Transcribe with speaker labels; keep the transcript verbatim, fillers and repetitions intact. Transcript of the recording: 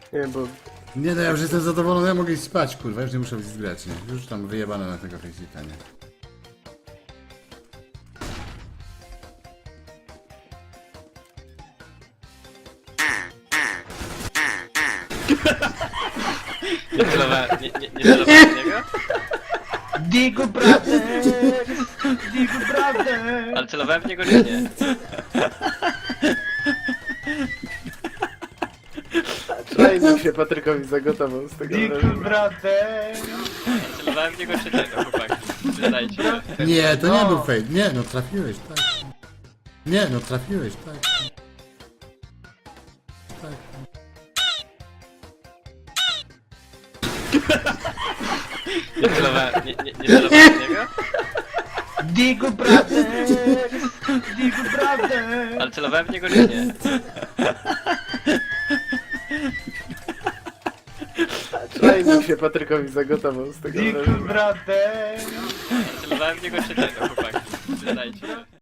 Speaker 1: Nie, bo
Speaker 2: Nie no, ja już jestem zadowolony, ja mogę iść spać, kurwa, już nie muszę zgrać, nie? Już tam wyjebane na tego Facebooka, nie?
Speaker 3: Nie celowałem, nie, nie, nie celowałem w niego?
Speaker 4: Digu brother! Digu brother!
Speaker 3: Ale celowałem w niego czy nie?
Speaker 1: training się Patrykowi zagotował z tego
Speaker 4: Digu
Speaker 1: wrażenia.
Speaker 4: brother!
Speaker 3: Ale celowałem w niego czy nie, no chłopaki? Przyznajcie się.
Speaker 2: Nie, to nie
Speaker 4: No.
Speaker 2: był fake, nie, no trafiłeś, tak. Nie, no trafiłeś, tak. Tak.
Speaker 3: Nie celowałem, nie, nie, nie celowałem w niego?
Speaker 4: Digu brother! Digu brother!
Speaker 3: Ale celowałem w niego czy nie?
Speaker 1: Training się Patrykowi zagotował z tego
Speaker 4: Digu
Speaker 1: wrażenia.
Speaker 4: brother!
Speaker 3: Celowałem w niego czy nie, no chłopaki? Przyznajcie się.